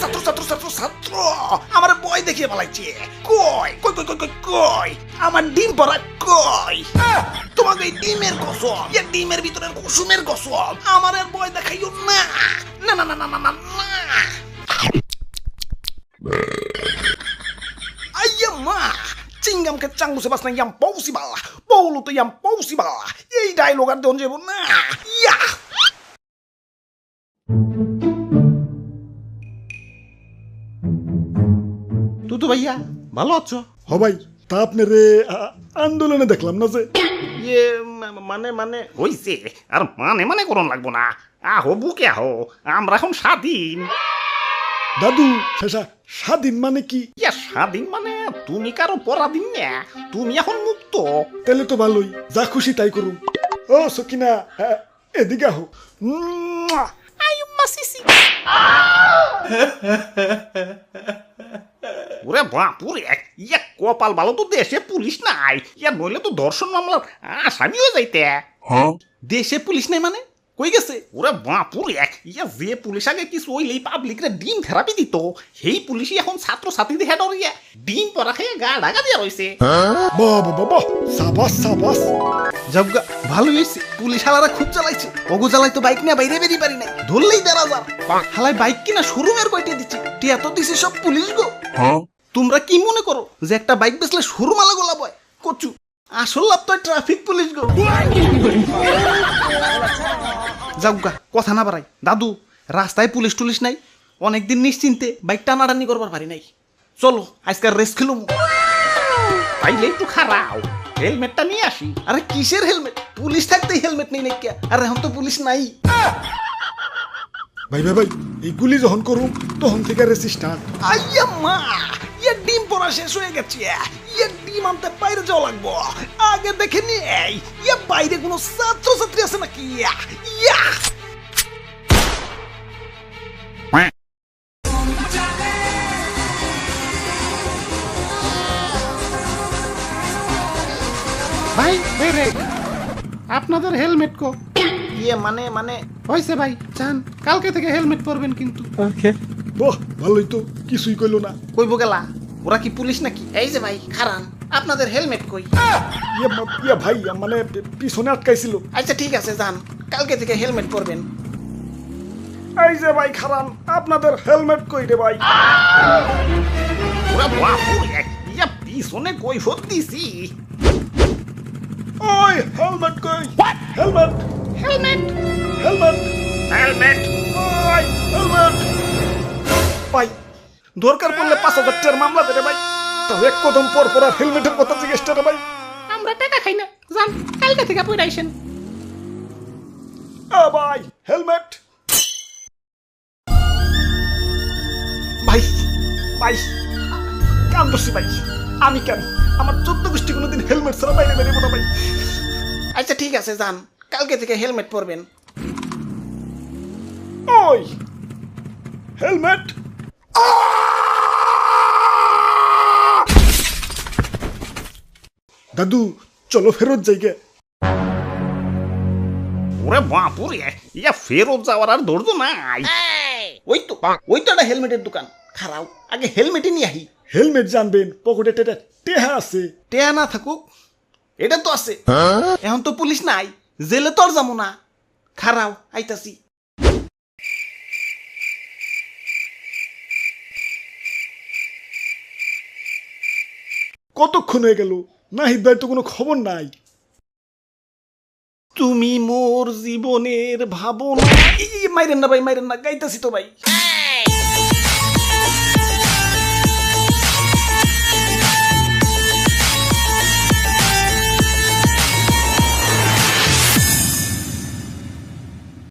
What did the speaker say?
ছাত্র ছাত্র ছাত্র ছাত্র আমার বই দেখিয়ে পালাইছে। কই কই কই কই কই কই আমার ডিম পড়া কই? তোমাকে এই ডিমের কসম, এই ডিমের ভিতরের কুসুমের কসম, আমার আর বই দেখাইও না। না না না না না না না। Aia ma, cingam ke canggu sebas na yang possible, polo to yang possible. Ei dialogue আর দেন যাব না। ইয়া তুতু ভাইয়া ভালো আছো? হ ভাই, তা আপনারে আন্দোলনে দেখলাম না যে। ইয়ে মানে মানে হইছে আর মানে মানে করন লাগবো না। আহো বুকে আহো, আমরা এখন স্বাধীন। দাদু শেষা স্বাধীন মানে কি? ইয়া স্বাধীন মানে তুমি কারো পরাধীন না, তুমি এখন মুক্ত। তাহলে তো ভালোই, যা খুশি তাই করুন। ও সকিনা, এদিকে আহো। মাসিসি ওরে বাপুরে, ইয়া কপাল ভালো তো দেশে পুলিশ নাই, ইয়া নইলে তো ধর্ষণ মামলার আসামি হয়ে যাইতে। দেশে পুলিশ নাই মানে কই গেছে? ওরে বাপুরে, ইয়া যে পুলিশ আগে কিছু হইলেই পাবলিকরে ডিম থেরাপি দিত, সেই পুলিশই এখন ছাত্র ছাত্রীদের হেড ইয়া ডিম পরা খেয়ে গা ঢাকা দিয়া রয়েছে। বাবা বাবা, সাবাস সাবাস। যাবগা ভালো হয়েছে, পুলিশ হালারা খুব চালাইছে। ওগো জ্বালাই তো বাইক নিয়ে বাইরে বেরিয়ে পারি নাই, ধরলেই ১,৫০০। হালাই বাইক কিনা শোরুমের কয়টা দিচ্ছে, টিয়া তো দিছে সব পুলিশ গো। তোমরা কি মনে করো যে একটা বাইক বেচলে শোরুম আলা গোলা বয়? কচু আসল লাভ তো ট্রাফিক পুলিশ গো। যাবগা কথা না বাড়াই, দাদু রাস্তায় পুলিশ টুলিশ নাই, অনেকদিন নিশ্চিন্তে বাইক টানাটানি করবার পারি নাই। চলো আজকাল রেস খেলুম। তাইলে একটু খারাও, হেলমেটটা নিয়ে আসি। আরে কিসের হেলমেট? পুলিশ থাকতেই হেলমেট নেই নাকি? আর এখন তো পুলিশ নাই। ভাই ভাই ভাই, এইগুলি যখন করুন তখন থেকে রেসি স্টার্ট। আইয়া মা, ইয়া ডিম পড়া শেষ হয়ে গেছে, ইয়া ডিম আনতে বাইরে যাওয়া লাগবো। আগে দেখে নেই ইয়া বাইরে কোনো ছাত্র ছাত্রী আছে নাকি। ইয়া ভাই বেরে আপনাদের হেলমেট কো? ইয়ে মানে মানে হয়েছে ভাই, চান কালকে থেকে হেলমেট পরবেন কিন্তু। বাহ ভালোই তো, কিছুই কইলো না। কইব গেলা, ওরা কি পুলিশ নাকি? এই যে ভাই খারান, আপনাদের হেলমেট কই? ইয়া ভাই, মানে পিছনে আটকাইছিল। আচ্ছা ঠিক আছে যান, কালকে থেকে হেলমেট পরবেন। এই যে ভাই খারান, আপনাদের হেলমেট কই রে ভাই? ওরা বাপুরে, ইয়া পিছনে কই দিছি। ওই হেলমেট কই? হেলমেট হেলমেট হেলমেট হেলমেট ওই হেলমেট। ভাই দরকার পড়লে ৫,০০০ টাকার মামলা দেবে ভাই। তাও এক কদম পর পর আর হেলমেটের কথা জিজ্ঞেস রে ভাই। আমরা টাকা খাই না, যান কালকে থেকে পরে আইসেন। ভাই হেলমেট। ভাই ভাই কান দোষী ভাই, আমি কেন? আমার ১৪ গোষ্ঠী কোনোদিন হেলমেট ছাড়া বাইরে বেরিয়ে না ভাই। আচ্ছা ঠিক আছে যান, কালকে থেকে হেলমেট পরবেন। ওই হেলমেট। দাদু চলো ফেরত যাইগে। ওরে বাপুরে, ইয়া ফেরত যাওয়ার আর ধৈর্য নাই। ওই তো একটা হেলমেটের দোকান, খারাও আগে হেলমেটই নিয়ে আহি। হেলমেট জানবেন, পকেটে টেহা আছে। টেয়া না থাকুক, এটা তো আছে। এখন তো পুলিশ নাই, জেলে তো আর যাবো না। খারাও আইতাছি। কতক্ষণ হয়ে গেল, নাহিদ ভাই তো কোনো খবর নাই। তুমি মোর জীবনের ভাবনা। মাইরেন না ভাই, মাইরেন না, গাইতাছি তো ভাই।